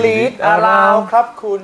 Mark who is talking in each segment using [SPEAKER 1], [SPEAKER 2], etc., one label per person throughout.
[SPEAKER 1] ลีดอาราวครับคุณ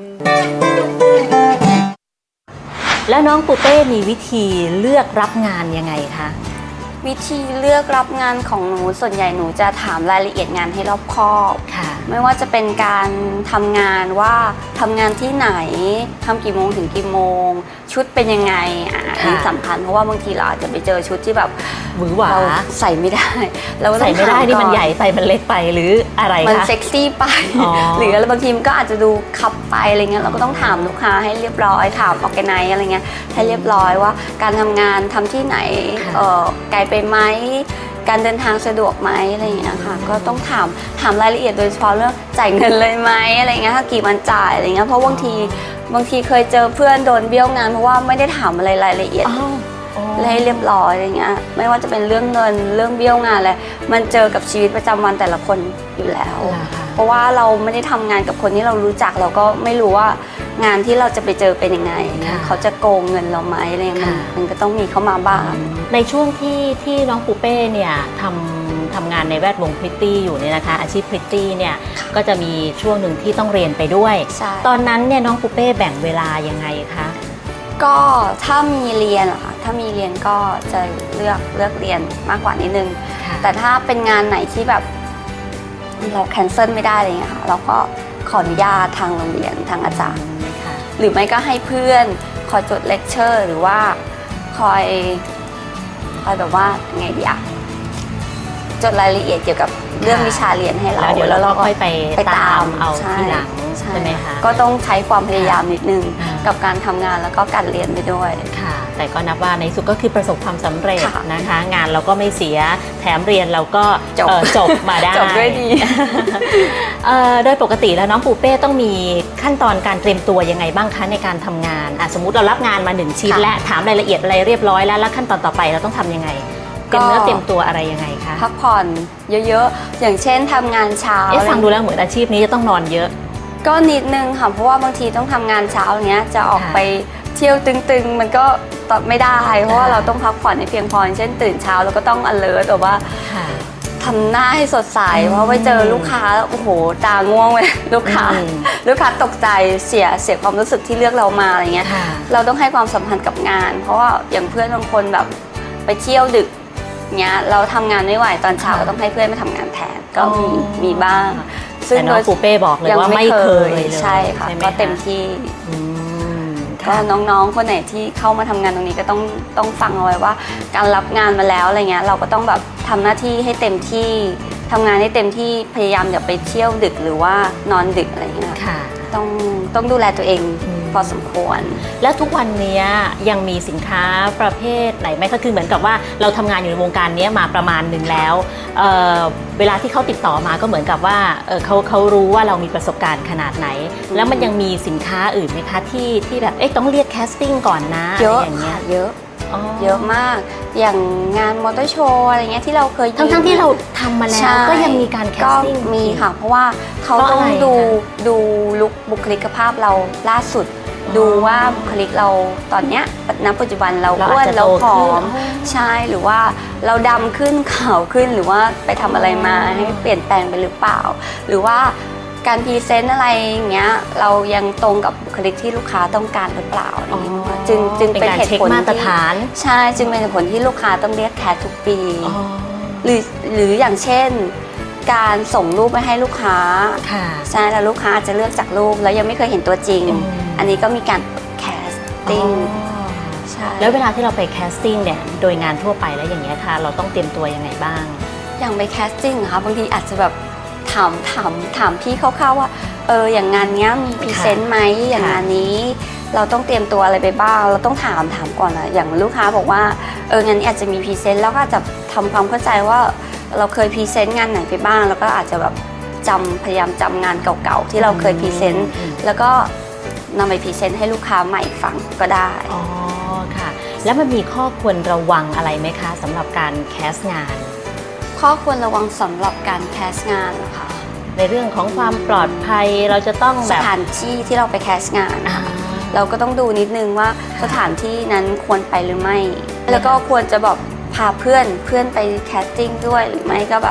[SPEAKER 2] แล้วน้องปูเป้มีวิธีเลือกรับงานยังไงคะ
[SPEAKER 3] วิธีเลือกรับงานของหนูส่วนใหญ่หนูจะถามรายละเอียดงานให้รอบคอบ
[SPEAKER 2] ค่ะ
[SPEAKER 3] ไม่ว่าจะเป็นการทำงานว่าทำงานที่ไหนทำกี่โมงถึงกี่โมงชุดเป็นยังไงอันนี้สำคัญเพราะว่าบางทีเราอาจจะไปเจอชุดที่แบบ
[SPEAKER 2] หวือหวา
[SPEAKER 3] ใส่ไม่ได้เรา
[SPEAKER 2] ใส่ไม่ได้นี่มันใหญ่ไปมันเล็กไปหรืออะไรคะ
[SPEAKER 3] มันเซ็กซี่ไปหรือบางทีมันก็อาจจะดูคับไปอะไรเงี้ยเราก็ต้องถามลูกค้าให้เรียบร้อยถามออร์แกไนซ์อะไรเงี้ยให้เรียบร้อยว่าการทำงานทำที่ไหนไกลไปไหมการเดินทางสะดวกไหมอะไรอย่างเงี้ยค่ะก็ต้องถามรายละเอียดโดยเฉพาะเรื่องจ่ายเงินเลยไหมอะไรเงี้ยถ้ากี่วันจ่ายอะไรเงี้ยเพราะบางทีเคยเจอเพื่อนโดนเบี้ยวงานเพราะว่าไม่ได้ถามอะไรรายละเอียดให้เรียบร้อยอะไรเงี้ยไม่ว่าจะเป็นเรื่องเงินเรื่องเบี้ยวงานอะไรมันเจอกับชีวิตประจำวันแต่ละคนอยู่แล้วเพราะว่าเราไม่ได้ทำงานกับคนที่เรารู้จักเราก็ไม่รู้ว่างานที่เราจะไปเจอเป็นยังไงเขาจะโกงเงินเราไหมอะไรมันก็ต้องมีเข้ามาบ้าง
[SPEAKER 2] ในช่วงที่น้องปูเป้เนี่ยทำงานในแวดวงพริตตี้อยู่เนี่ยนะคะอาชีพพริตตี้เนี่ยก็จะมีช่วงหนึ่งที่ต้องเรียนไปด้วยตอนนั้นเนี่ยน้องปูเป้แบ่งเวลายังไงคะ
[SPEAKER 3] ก็ถ้ามีเรียนอะค่ะถ้ามีเรียนก็จะเลือกเรียนมากกว่านิดนึงแต่ถ้าเป็นงานไหนที่แบบเราแคนเซิลไม่ได้อะไรเงี้ยค่ะเราก็ขออนุญาตทางโรงเรียนทางอาจารย์หรือไม่ก็ให้เพื่อนคอยจดเลคเชอร์หรือว่าคอยแบบว่าไงดีอะจดรายละเอียดเกี่ยวกับเรื่องวิชาเรียนให้เรา
[SPEAKER 2] เดี๋ยวเราค่อยไปตามเอาทีหลังใช่ไหมคะ
[SPEAKER 3] ก็ต้องใช้ความพยายามนิดนึงกับการทำงานแล้วก็การเรียนไปด้วย
[SPEAKER 2] ค่ะแต่ก็นับว่าในสุดก็คือประสบความสำเร็จนะคะงานเราก็ไม่เสียแถมเรียนเราก็จบมาได้
[SPEAKER 3] จบด้วยดี
[SPEAKER 2] โดยปกติแล้วน้องปูเป้ต้องมีขั้นตอนการเตรียมตัวยังไงบ้างคะในการทำงานสมมุติเรารับงานมา1ชิ้นและถามรายละเอียดอะไรเรียบร้อยแล้วขั้นตอนต่อไปเราต้องทำยังไงเตรียมเนื้อเตรียมตัวอะไรยังไงคะ
[SPEAKER 3] พักผ่อนเยอะๆอย่างเช่นทำงานเช้า
[SPEAKER 2] ฟังดูแล้วเหมือนอาชีพนี้จะต้องนอนเยอะ
[SPEAKER 3] ก็นิดนึงค่ะเพราะว่าบางทีต้องทำงานเช้าอย่างเงี้ยจะออกไปเที่ยวตึงๆมันก็ตอบไม่ได้เพราะว่าเราต้องพักผ่อนให้เพียงพอเช่นตื่นเช้าแล้วก็ต้อง alert แบบว่าทำหน้าให้สดใสเพราะไปเจอลูกค้าโอ้โหตาง่วงเลยลูกค้าตกใจเสียความรู้สึกที่เลือกเรามาอะไรเงี้ยเราต้องให้ความสำคัญกับงานเพราะว่าอย่างเพื่อนบางคนแบบไปเที่ยวดึกเงี้ยเราทำงานไม่ไหวตอนเช้าก็ต้องให้เพื่อนมาทำงานแทนก็มีบ้าง
[SPEAKER 2] ซึ่งน้องปูเป้บอกเลยว่าไม่เคยเลย
[SPEAKER 3] ใช่ค่ะก็เต็มที่ก็น้องๆคนไหนที่เข้ามาทำงานตรงนี้ก็ต้องฟังเอาไว้ว่าการรับงานมาแล้วอะไรเงี้ยเราก็ต้องแบบทำหน้าที่ให้เต็มที่ทำงานให้เต็มที่พยายามอย่าไปเที่ยวดึกหรือว่านอนดึกอะไรเงี้ยต้องดูแลตัวเองพอสมควร
[SPEAKER 2] แล้วทุกวันนี้ยังมีสินค้าประเภทไหนไหมก็คือเหมือนกับว่าเราทำงานอยู่ในวงการนี้มาประมาณหนึ่งแล้วเวลาที่เขาติดต่อมาก็เหมือนกับว่าเขารู้ว่าเรามีประสบการณ์ขนาดไหนแล้วมันยังมีสินค้าอื่นไหมคะที่แบบต้องเรียกแคสติ้งก่อนนะ
[SPEAKER 3] เยอะค่ะเยอะมากอย่างงานมอเตอร์โชว์อะไรเงี้ยที่เราเคย
[SPEAKER 2] ทั้งที่เราทำมาแล้วก็ยังมีการแคสติ้ง
[SPEAKER 3] มีค่ะเพราะว่าเขาต้องดูลุคบุคลิกภาพเราล่าสุดดูว่าบุคลิกเราตอนเนี้ยณปัจจุบันเราอ้วนเราผอมใช่หรือว่าเราดำขึ้นขาวขึ้นหรือว่าไปทำอะไรมาให้เปลี่ยนแปลงไปหรือเปล่าหรือว่าการพรีเซนต์อะไรอย่างเงี้ยเรายังตรงกับบุคลิกที่ลูกค้าต้องการหรือเปล่าจึงเป็นเหตุผล
[SPEAKER 2] มาตรฐาน
[SPEAKER 3] ใช่จึงเป็นเหตุผลที่ลูกค้าต้องเรียกแคสทุกปีหรืออย่างเช่นการส่งรูปไปให้ลูกค้าใช่แล้วลูกค้าจะเลือกจากรูปแล้วยังไม่เคยเห็นตัวจริงอันนี้ก็มีการแคสติ้ง
[SPEAKER 2] ใช่แล้วเวลาที่เราไปแคสติ้งเนี่ยโดยงานทั่วไปแล้วอย่างเงี้ยค่ะเราต้องเตรียมตัวยังไงบ้าง
[SPEAKER 3] อย่างไปแคสติ้งค่ะบางทีอาจจะแบบถามพี่คร่าวๆว่าอย่างงานเนี้ยมีพรีเซนต์ไหมอย่างงานนี้เราต้องเตรียมตัวอะไรไปบ้างเราต้องถามก่อนนะอย่างลูกค้าบอกว่างานนี้อาจจะมีพรีเซนต์แล้วก็จะทำความเข้าใจว่าเราเคยพรีเซนต์งานไหนไปบ้างแล้วก็อาจจะแบบพยายามจำงานเก่าๆที่เราเคยพรีเซนต์แล้วก็นำไปพรีเซนต์ให้ลูกค้าใหม่ฟังก็ได้
[SPEAKER 2] อ๋อค่ะแล้วมันมีข้อควรระวังอะไรไหมคะสำหรับการแคสงาน
[SPEAKER 3] ข้อควรระวังสำหรับการแคสงานนะคะ
[SPEAKER 2] ในเรื่องของความปลอดภัยเราจะต้อง
[SPEAKER 3] สถานที่ที่เราไปแคสงานเราก็ต้องดูนิดนึงว่าสถานที่นั้นควรไปหรือไม่แล้วก็ควรจะแบบพาเพื่อนไปแคสติ้งด้วยหรือไม่ก็แบบ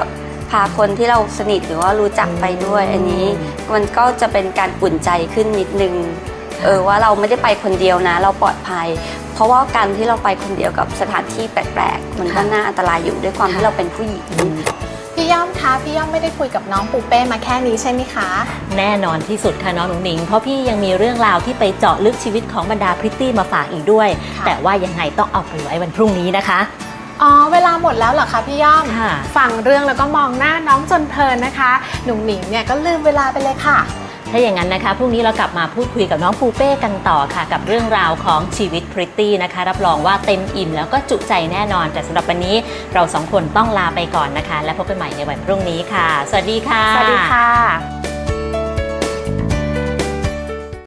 [SPEAKER 3] พาคนที่เราสนิทหรือว่ารู้จักไปด้วยอันนี้มันก็จะเป็นการอุ่นใจขึ้นนิดนึงว่าเราไม่ได้ไปคนเดียวนะเราปลอดภัย เพราะว่าการที่เราไปคนเดียวกับสถานที่แปลกๆมันก็น่าอันตรายอยู่ด้วยความที่เราเป็นผู้หญิง
[SPEAKER 4] พี่ย่อมคะพี่ย่อมไม่ได้คุยกับน้องปูเป้มาแค่นี้ใช่ไหมคะ
[SPEAKER 2] แน่นอนที่สุดค่ะน้องหนุ่งหนิงเพราะพี่ยังมีเรื่องราวที่ไปเจาะลึกชีวิตของบรรดาพริตตี้มาฝากอีกด้วย
[SPEAKER 4] ค่ะ
[SPEAKER 2] แต่ว่ายังไงต้องเอาไปไว้วันพรุ่งนี้นะคะ
[SPEAKER 4] อ๋อเวลาหมดแล้วเหรอคะพี่ย่อม
[SPEAKER 2] ค่ะ
[SPEAKER 4] ฟังเรื่องแล้วก็มองหน้าน้องจนเพลินนะคะหนุ่งหนิงเนี่ยก็ลืมเวลาไปเลยค่ะ
[SPEAKER 2] ถ้าอย่างนั้นนะคะพรุ่งนี้เรากลับมาพูดคุยกับน้องปูเป้กันต่อค่ะ กับเรื่องราวของชีวิตพริตตี้นะคะรับรองว่าเต็มอิ่มแล้วก็จุใจแน่นอน แต่สำหรับวันนี้เราสองคนต้องลาไปก่อนนะคะ และพบกันใหม่ในวันพรุ่งนี้ค่ะ สวัสดีค่ะ
[SPEAKER 4] สวัสดีค่ะ